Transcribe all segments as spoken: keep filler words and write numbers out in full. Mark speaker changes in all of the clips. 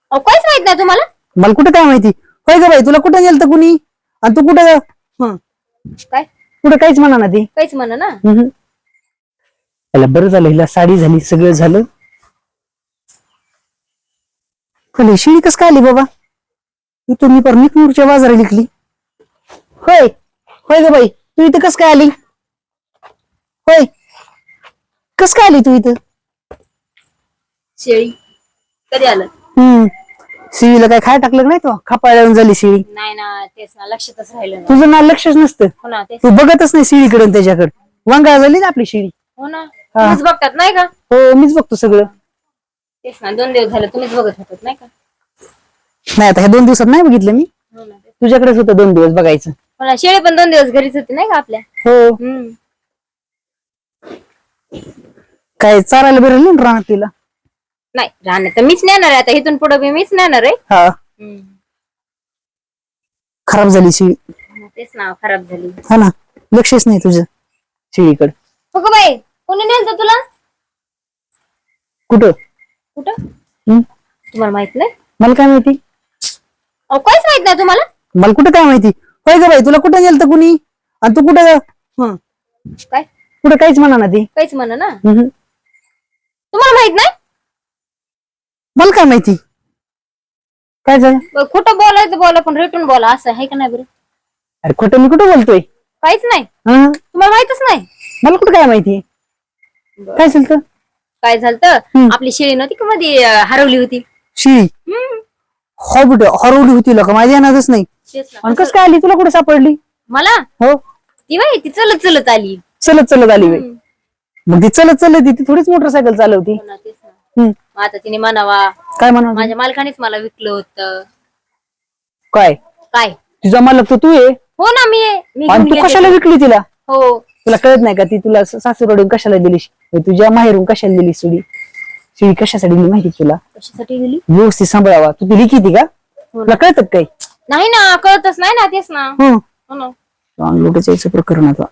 Speaker 1: अहो काहीच माहित नाही तुम्हाला?
Speaker 2: मला कुठं काय माहिती? होय ग बाई, तुला कुठं गेलत कुणी आणि तू कुठं हं,
Speaker 1: काय
Speaker 2: कुठं काहीच म्हणा ना ती.
Speaker 1: काहीच म्हणा ना.
Speaker 2: हम्म. त्याला बरं झालं, हिला साडी झाली, सगळं झालं. खाली शिळी कस काय आली बाबा? इथून मी पर निकनूरच्या बाजारात लिखली. होय होय ग बाई, तू इथं कस काय आली? होय, कस काय आली तू इथं?
Speaker 1: शेळी कधी आलं?
Speaker 2: हम्म शिळीला काय खाय टाकलं नाही तो? खापायला येऊन झाली शिळी.
Speaker 1: नाही ना, तेच ना, लक्षातच राहिलं नाही.
Speaker 2: तुझं ना लक्षच नसतं,
Speaker 1: हो ना, तेच.
Speaker 2: तू बघतच नाही शिळीकडे त्याच्याकडे. वांगा झाली ना आपली शिळी.
Speaker 1: हो ना, तुम्हीच बघतात नाही का?
Speaker 2: हो, मीच बघतो सगळं.
Speaker 1: तेच ना, दोन दिवस झाले तुम्हीच बघत होतात नाही का?
Speaker 2: नाही आता ह्या दोन दिवसात नाही बघितलं मी.
Speaker 1: हो ना, तेच.
Speaker 2: तुझ्याकडेच होतं दोन दिवस बघायचं.
Speaker 1: हो ना, शेळी पण दोन दिवस घरीच होती नाही का आपल्या?
Speaker 2: हो.
Speaker 1: हम्म.
Speaker 2: काय चारायला बरं नाही राहणार तिला?
Speaker 1: नाही राहणार तर मीच नेणार आहे आता, इथून पुढे बी मीच नेणार आहे.
Speaker 2: हा,
Speaker 1: हम्म.
Speaker 2: खराब झाली शिळी.
Speaker 1: मग तेच ना, खराब झाली.
Speaker 2: हा ना, लक्षच नाही तुझं शिळीकडे.
Speaker 1: हो का बाई, कोणी नेलं तुला?
Speaker 2: कुठं?
Speaker 1: कुठं?
Speaker 2: हम्म?
Speaker 1: तुम्हाला माहित नाही?
Speaker 2: मला काय माहिती?
Speaker 1: अहो काहीच माहित नाही तुम्हाला?
Speaker 2: मला कुठं काय माहिती? होय ग बाई, तुला कुठं गेलत कुणी आणि तू कुठं हं,
Speaker 1: काय
Speaker 2: कुठं काहीच म्हणा ना ती.
Speaker 1: काहीच म्हणा ना.
Speaker 2: हम्म.
Speaker 1: तुम्हाला माहित नाही?
Speaker 2: मला काय माहिती काय झालं?
Speaker 1: बरं, खोटं बोलायचं बोला, पण रेटून बोला, असं आहे का नाही बरं?
Speaker 2: अरे खोटं मी कुठं बोलतोय?
Speaker 1: काहीच नाही,
Speaker 2: हं?
Speaker 1: तुम्हाला माहितच नाही?
Speaker 2: मला कुठं काय माहिती? काय झालं तर?
Speaker 1: काय झालं? आपली शेळी नव्हती का मध्ये अं, हरवली होती.
Speaker 2: शिळी
Speaker 1: हम्म.
Speaker 2: हो बेटा, हरवली होती का? माझ्या ध्यानातच नाही.
Speaker 1: तेच ना.
Speaker 2: आणि कसं काय आली? तुला कुठे सापडली?
Speaker 1: मला
Speaker 2: हो,
Speaker 1: ती बाई ती चलत चलत आली.
Speaker 2: चलत चलत आली बाई.
Speaker 1: हम्म.
Speaker 2: मग ती चलत चलत ती थोडीच मोटरसायकल चालवती.
Speaker 1: हो ना, तेच ना.
Speaker 2: हम्म.
Speaker 1: मग आता तिने म्हणावा
Speaker 2: काय म्हणा?
Speaker 1: माझ्या मालकानेच मला विकलं होतं.
Speaker 2: काय
Speaker 1: काय?
Speaker 2: तुझा मालक तर तू आहे
Speaker 1: हो ना, मी आहे. मी
Speaker 2: आणि
Speaker 1: घेऊन
Speaker 2: तू
Speaker 1: गेले
Speaker 2: कशाला
Speaker 1: ते.
Speaker 2: विकली तिला?
Speaker 1: हो.
Speaker 2: तुला कळत नाही का ती तुला सासूरडून कशाला दिली? तुझ्या माहेरून कशाला दिली शिडी? शिडी कशासाठी दिली माहिती तुला?
Speaker 1: कशासाठी गेली?
Speaker 2: व्यवस्थित सांभाळावा. तू ती लिखी ती का?
Speaker 1: हो
Speaker 2: तुला
Speaker 1: ना.
Speaker 2: कळत काय?
Speaker 1: नाही ना, कळतच नाही ना, तेच ना.
Speaker 2: हं.
Speaker 1: हो ना.
Speaker 2: अंगलुटाचं याचं प्रकरण आता.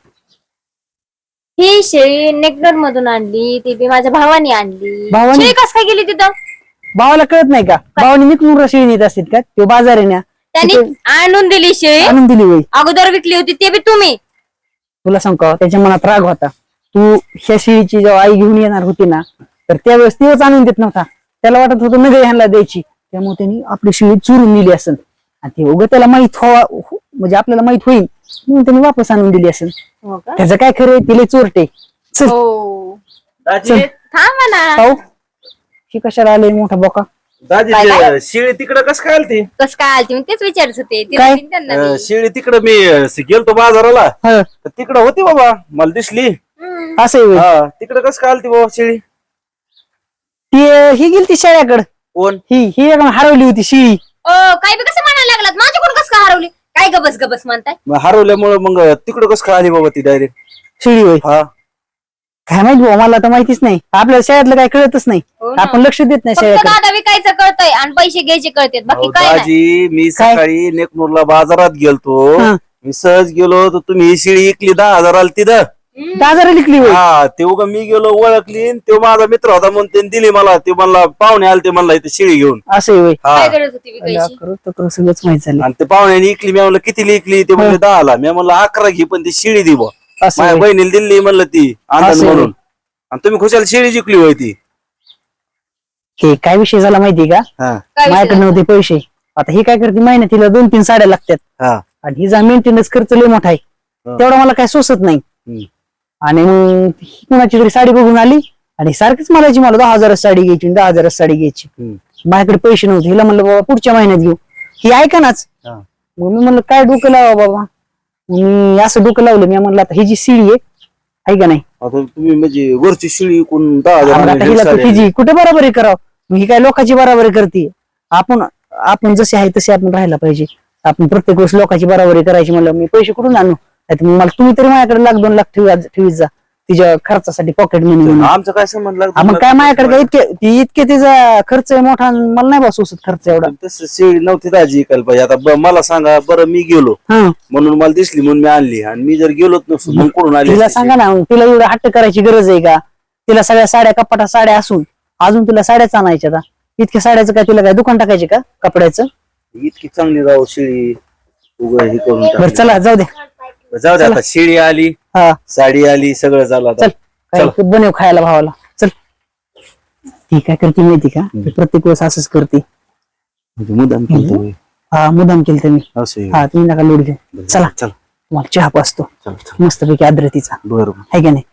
Speaker 1: ही शेळी नेकनर मधून आणली, ती बी माझ्या भावाने आणली.
Speaker 2: भावाने?
Speaker 1: शेळी कस काय गेली तिथं?
Speaker 2: भावाला कळत नाही का? भावाने निकनूर शिडी नेत असतील का? तो बाजार आहे ना,
Speaker 1: त्यांनी आणून दिली शेळी,
Speaker 2: आणून दिली वय.
Speaker 1: अगोदर विकली होती ते बी तुम्ही.
Speaker 2: तुला सांग का, त्याच्या मनात राग होता. तू ह्या शिळीची जेव्हा आई घेऊन येणार होती ना, तर त्यावेळेस तेच आणून देत नव्हता. त्याला वाटत होतं नगर ह्यांना द्यायची, त्यामुळे त्यांनी आपली शिळी चुरून नेली असेल. आणि ते उगं त्याला माहित व्हावा, म्हणजे आपल्याला माहित होईल म्हणून त्यांनी वापस आणून दिली असेल.
Speaker 1: हो का?
Speaker 2: त्याचं काय खरं, तिले चोरटे. चल
Speaker 1: हो.
Speaker 2: चल.
Speaker 1: थांबा ना.
Speaker 2: पाहू ही कशाला आले मोठा बोका.
Speaker 3: दाजी
Speaker 1: काय काय?
Speaker 3: ते शिळी तिकडं कसं काय आलती?
Speaker 1: कस काय आलती? मी तेच विचारत होते. तिला
Speaker 2: काय?
Speaker 1: बी त्यांना
Speaker 3: अं,
Speaker 1: बी.
Speaker 3: शिळी तिकडं मी अं, गेलतो बाजाराला,
Speaker 2: हं,
Speaker 3: तर तिकडं होती बाबा, मला दिसली.
Speaker 1: हम्म.
Speaker 2: असं आहे होय.
Speaker 3: हा, तिकडं कसं काय आलती बाबा शिळी?
Speaker 2: ती अं, ही गेली ती शेळ्याकडे.
Speaker 3: कोण?
Speaker 2: ही ही एकदम हरवली होती शिळी.
Speaker 1: ओ, काय बी कसं म्हणायला लागलात? माझ्याकडून कसं काय हरवली? काय गबस गबस म्हणताय?
Speaker 3: मग हरवल्यामुळे मग तिकडं कसं काय आली बाबा ती डायरेक्ट?
Speaker 2: शिळी होय.
Speaker 3: हा,
Speaker 2: काय माहित भाऊ, मला तर माहितीच नाही. आपल्याला शाळेतलं काय कळतच नाही.
Speaker 1: हो ना.
Speaker 2: आपण लक्ष देत नाही
Speaker 1: फक्त
Speaker 2: शाळेकडे.
Speaker 1: दादा विकायचं कळतंय आणि पैसे घ्यायचे कळतात, बाकी
Speaker 3: अहो,
Speaker 1: काय नाही.
Speaker 3: दाजी मी
Speaker 2: काय?
Speaker 3: सकाळी नेकनूरला बाजारात गेलतो.
Speaker 2: हं.
Speaker 3: मी सहज गेलो तर तुम्ही ही शिळी इकली दहा हजाराला तिथं.
Speaker 1: हम्म.
Speaker 2: दहा हजार लिखली होय.
Speaker 3: हा, ते उगा मी गेलो ओळखली, तो माझा मित्र होता म्हणून त्यांनी दिली मला. ते म्हणला पाहुणे आले, ते म्हणला इथे शिळी घेऊन.
Speaker 2: असं आहे होय.
Speaker 3: हा,
Speaker 1: काय गरज होती विकायची?
Speaker 2: करू तर करू, सगळंच माहित झालं.
Speaker 3: आणि ते पाहुण्याने इकली. मी म्हणलं किती इकली? ते म्हणले दहाला. मी म्हणलं अकरा घे, पण ती शिळी दि बुवा.
Speaker 2: असं
Speaker 3: माझ्या
Speaker 2: होय.
Speaker 3: बहिणीला दिली म्हणलं ती आनंद
Speaker 2: असं होय.
Speaker 3: म्हणून. आणि तुम्ही खुशाल शिळी जिंकली होय ती.
Speaker 2: हे काय विषय झाला माहिती का?
Speaker 3: हा,
Speaker 1: काय विषय
Speaker 2: माझ्याकडे
Speaker 1: झाला?
Speaker 2: नव्हते पैसे. आता ही काय करते, महिन्यात दोन तीन साड्या लागतात
Speaker 3: हा,
Speaker 2: आणि हिचा मेंटेनन्स खर्च लय मोठा आहे.
Speaker 3: हा.
Speaker 2: तेवढा मला काय सोसत नाही.
Speaker 3: हम्म.
Speaker 2: आणि मग ही कुणाची तरी साडी बघून आली आणि सारखीच म्हणायची मला दहा हजाराची साडी घ्यायची दहा हजाराची साडी घ्यायची.
Speaker 3: हम्म.
Speaker 2: माझ्याकडे पैसे नव्हते. हिला म्हणलं बाबा पुढच्या महिन्यात घेऊ. ही ऐका नाच.
Speaker 3: हा.
Speaker 2: मग मी म्हणलं काय डोकं लावा बाबा. मी असं डोकं लावलं. मी म्हणलं आता ही जी शिळी आहे आहे का नाही,
Speaker 3: आता तुम्ही म्हणजे वरची शिळी कोण दहा
Speaker 2: आता
Speaker 3: हजार
Speaker 2: हिला
Speaker 3: साडी
Speaker 2: हिची कुठे बराबरी करावं. मग ही काय लोकांची बराबरी करते. आपण आपण जसे आहे तसे आपण राहायला पाहिजे. आपण प्रत्येक वेळेस लोकांची बराबरी करायची म्हणलं मी पैसे कुठून आणू? नाहीतर मग मला तुम्ही तरी माझ्याकडे लाख दोन लाख ठेवी ठेवीत जा तिच्या खर्चासाठी पॉकेट मनी म्हणून.
Speaker 3: आमचं काय संबंध लागतो?
Speaker 2: मग काय माझ्याकडे काय इतके ती इतके तिचा खर्च आहे मोठा आणि मला नाही बस सोसत खर्च एवढा.
Speaker 3: तसं शिळी नव्हती दाजी ऐकायला पाहिजे. आता ब- मला सांगा बरं, मी गेलो
Speaker 2: हा,
Speaker 3: म्हणून मला दिसली म्हणून मी आणली, आणि मी जर गेलोच नसतो मग कोण आली
Speaker 2: तिला
Speaker 3: असती
Speaker 2: सांगा ना, तिला एवढं हट्ट करायची गरज आहे का? तिला सगळ्या साड्या कपाटात साड्या असून अजून तिला साड्याच आणायच्या. इतक्या साड्याचं काय तुला काय दुकान टाकायचे का कपड्याचं?
Speaker 3: इतकी चांगली राव शेळी उघड हे करून
Speaker 2: बरं
Speaker 3: टाकली.
Speaker 2: चला जाऊ दे.
Speaker 3: जाऊ दे आता शेळी आली
Speaker 2: हा
Speaker 3: साडी आली सगळं झालं आता.
Speaker 2: चल काय ते बनव खायला भावाला. चल ती काय करते माहिती का, ती प्रत्येक वेळेस असंच करते.
Speaker 3: म्हणजे मुद्दाम केलं होय.
Speaker 2: हा मुदाम केलं मी.
Speaker 3: असं आहे.
Speaker 2: हा तुम्ही नका लोड घेऊ. चला
Speaker 3: चल
Speaker 2: तुम्हाला चहा पाचतो
Speaker 3: चल चल
Speaker 2: मस्तपैकी आद्रतीचा,
Speaker 3: बरोबर
Speaker 2: आहे का नाही?